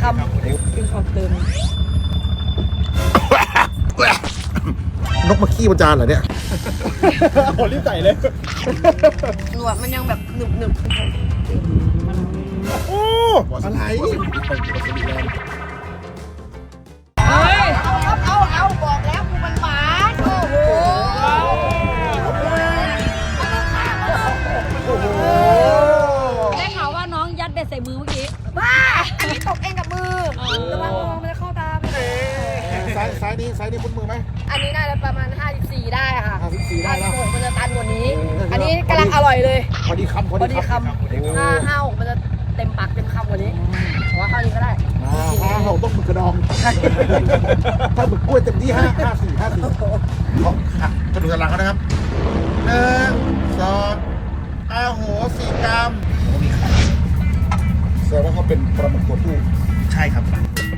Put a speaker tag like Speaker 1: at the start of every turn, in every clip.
Speaker 1: คำกินของเติม
Speaker 2: นกมาขี้บนจานเหรอเนี่ยโหรีบใส่เลย
Speaker 1: หนวดมันยังแบบหนึบ
Speaker 2: โอ้อะไร
Speaker 1: เอาบอกแล้วกูมันหมาโอ้โห
Speaker 3: ได้ข่าวว่าน้องยัดเบ็ดใส่มือเมื่อกี้
Speaker 1: บ้าอันนี้ตกเองกับมือระวังมันจะเข้าตาไป
Speaker 2: ซ้ายนี้คุ้นมือไหม
Speaker 1: อันนี้น่าจะประมาณ54ได้ค่ะ
Speaker 2: 54ได้แล้ว
Speaker 1: 56มันจะตันกว่านี้อันนี้กำลังอร่อยเลย
Speaker 2: พอดีคำ
Speaker 1: 56มันจะเต็มปากเต็มคำกว่านี้แต่ว่าเท่านี้ก็ได้
Speaker 2: เราต้องหมึกกระดองถ้าหมึกกล้วยเต็มที่54ก็ดูตารางเขานะครับ1 2โห4 กรัมมีไข่แสดงว่าเขาเป็นปลาหมึกตัวผู้ใช่ครับ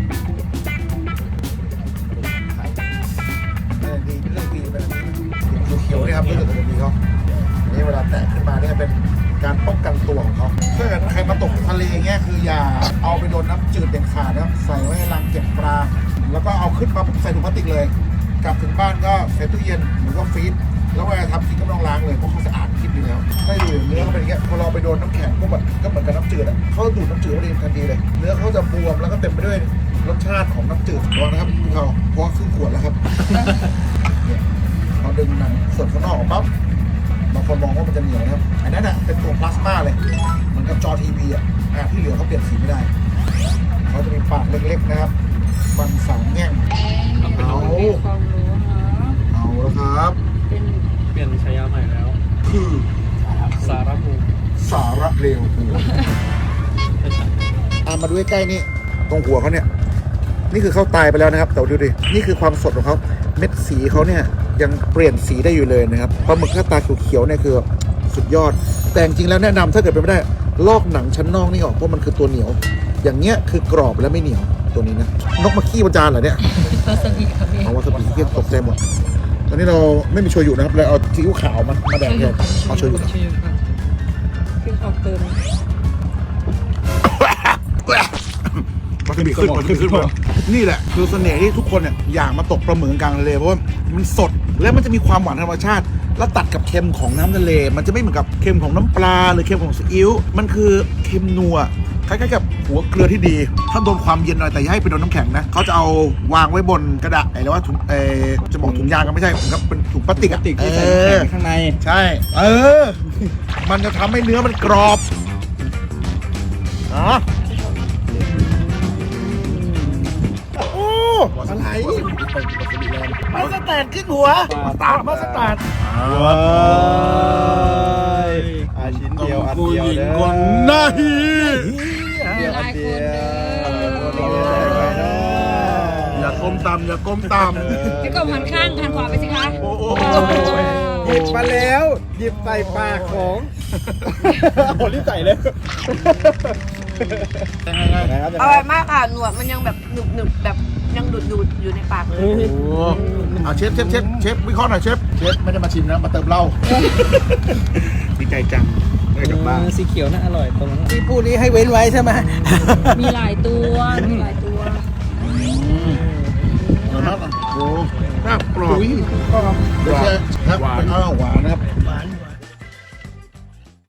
Speaker 2: ดีเรื่องดีเป็นเขียวนี่ครับนี่คือตัวดีเขานี่เวลาแตกขึ้นมาเนี่ยเป็นการป้องกันตัวของเขาถ้าเกิดใครมาตกทะเลเงี้ยคืออย่าเอาไปโดนน้ำจืดเด็ดขาดนะครับใส่ไว้ในรังเก็บปลาแล้วก็เอาขึ้นมาใส่ถุงพลาสติกเลยกลับถึงบ้านก็ใส่ตู้เย็นหรือก็ฟรีซแล้วเวลาทำกินก็ต้องล้างเลยเพราะเขาสะอาดคิดดีแล้วได้ดูเนื้อเขาเป็นอย่างเงี้ยพอเราไปโดนน้ำแข็งก็เหมือนกับน้ำจืดอ่ะเขาดูดน้ำจืดมาเองทันทีเลยเนื้อเขาจะบวมแล้วก็เต็มไปด้วยรสชาติของน้ำจืดตัวนะครับเขาเพราะครึ่งขวดแล้วครับเราดึงหนังส่วนข้างนอกออกปั๊บบางคนมองว่ามันจะเหนียวนะครับอันนั้นอ่ะเป็นตัวพลาสมาเลยเหมือนกับจอทีวีอ่ะที่เหลือเขาเปลี่ยนสีไม่ได้เขาจะมีปากเล็กๆนะครับฟัน3 แง่งเอาแล้วครับ
Speaker 4: เปลี่ยนฉายาใหม่แล้ว
Speaker 2: คือ
Speaker 4: สาระภูมิ
Speaker 2: สาระเร็วมาดูใกล้ๆนี่ตรงหัวเขาเนี่ยนี่คือเขาตายไปแล้วนะครับแต่ดูดินี่คือความสดของเขาเม็ดสีเขาเนี่ยยังเปลี่ยนสีได้อยู่เลยนะครับปลาหมึกหน้าตาเขียวๆเนี่ยคือสุดยอดแต่จริงแล้วแนะนำถ้าเกิดเป็นไม่ได้ลอกหนังชั้นนอกนี่ออกเพราะมันคือตัวเหนียวอย่างเงี้ยคือกรอบและไม่เหนียวตัวนี้นะนกมาขี้บนจานเหรอเนี่ยวาซาบิครับพี่วาซาบิที่ตกใจหมดตอนนี้เราไม่มีโชยุนะครับเลยเอาซีอิ๊วขาวมาแดกแทนเอาโชยุครับ
Speaker 3: กินของเติม
Speaker 2: วาซาบิขึ้นนี่แหละคือเสน่ห์ที่ทุกคนเนี่ยอยากมาตกปลาหมึกกลางทะเลเพราะว่ามันสดและมันจะมีความหวานธรรมชาติแล้วตัดกับเค็มของน้ำทะเลมันจะไม่เหมือนกับเค็มของน้ำปลาหรือเค็มของซีอิ๊วมันคือเค็มนัวคล้ายๆกับหัวเกลือที่ดีถ้าโดนความเย็นหน่อยแต่อย่าให้ไปโดนน้ำแข็งนะเขาจะเอาวางไว้บนกระดาษหรือว่าถุงจะบอกถุงยางก็ไม่ใช่ครับเป็นถุงพลาสติก
Speaker 4: ที่ใส่แข็งข้างใน
Speaker 2: ใช่มันจะทำให้เนื้อมันกรอบอะไรมาสแตนขึ้นหัวมาสแตน
Speaker 4: ชิ้นเดียวอันเดียวเด้อ
Speaker 2: นาฮีอย่าก้มต่ำอย่าก้มต่ำ
Speaker 3: พี่กบหันข้างหันขวาไปสิคะ
Speaker 4: หยิบมาแล้วหยิบใส่ปากของโหรีบใส่เลย
Speaker 1: อร่อยมากค่ะหนวดมันยังแบบหนึบแบบยังดูดอยู่ในปากเลย
Speaker 2: เชฟวิเคราะห์หน่อยเชฟไม่ได้มาชิมนะมาเติมเหล้าดีใจจังได้กลับบ้าน
Speaker 4: สีเขียวน่าอร่อยตรงนั้นที่พูดนี้ให้เว้นไว้ใช่ไหม
Speaker 3: มีหลายตัว
Speaker 2: โอ้น่ากรอบเดี๋ยวครับหวานนะครับ